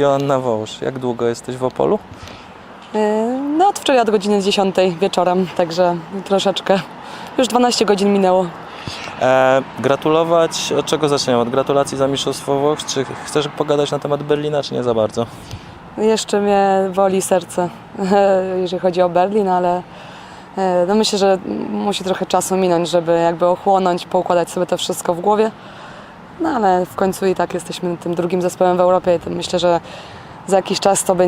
Joanna Wołż, jak długo jesteś w Opolu? No od wczoraj od godziny 10 wieczorem, także troszeczkę. Już 12 godzin minęło. Gratulować, od czego zaczniemy? Od gratulacji za Mistrzostwo Włoch? Czy chcesz pogadać na temat Berlina, czy nie za bardzo? Jeszcze mnie boli serce, jeżeli chodzi o Berlin, ale no myślę, że musi trochę czasu minąć, żeby jakby ochłonąć, poukładać sobie to wszystko w głowie. No ale w końcu i tak jesteśmy tym drugim zespołem w Europie i to myślę, że za jakiś czas to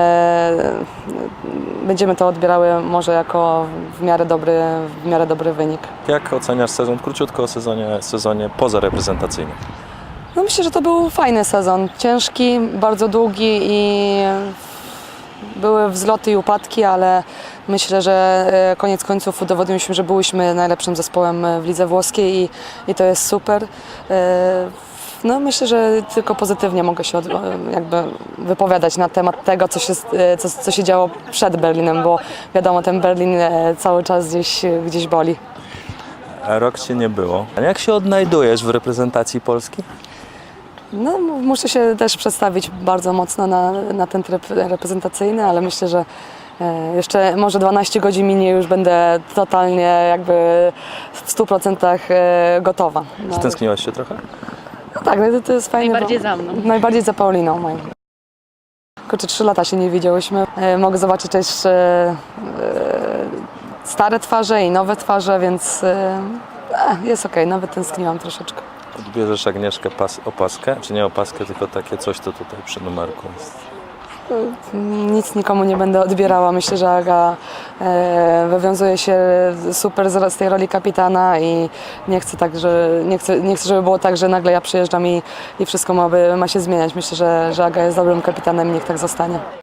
będziemy to odbierały może jako w miarę dobry wynik. Jak oceniasz sezon? Króciutko o sezonie pozareprezentacyjnym. No myślę, że to był fajny sezon. Ciężki, bardzo długi i były wzloty i upadki, ale myślę, że koniec końców udowodniliśmy, że byliśmy najlepszym zespołem w lidze włoskiej i to jest super. No myślę, że tylko pozytywnie mogę się jakby wypowiadać na temat tego, co się działo przed Berlinem, bo wiadomo, ten Berlin cały czas gdzieś boli. Rok Cię nie było. A jak się odnajdujesz w reprezentacji Polski? No, muszę się też przedstawić bardzo mocno na ten tryb reprezentacyjny, ale myślę, że jeszcze może 12 godzin minie, już będę totalnie jakby w 100% gotowa. No. Stęskniłaś się trochę? No tak, no to jest fajne. Najbardziej za mną. Najbardziej za Pauliną moją. Kurczę, 3 lata się nie widziałyśmy. Mogę zobaczyć też stare twarze i nowe twarze, więc jest okej, nawet tęskniłam troszeczkę. Odbierzesz Agnieszkę opaskę, czy nie opaskę, tylko takie coś, to tutaj przy numerku jest. Nic nikomu nie będę odbierała. Myślę, że Aga wywiązuje się super z tej roli kapitana i nie chcę, żeby było tak, że nagle ja przyjeżdżam i wszystko ma się zmieniać. Myślę, że Aga jest dobrym kapitanem i niech tak zostanie.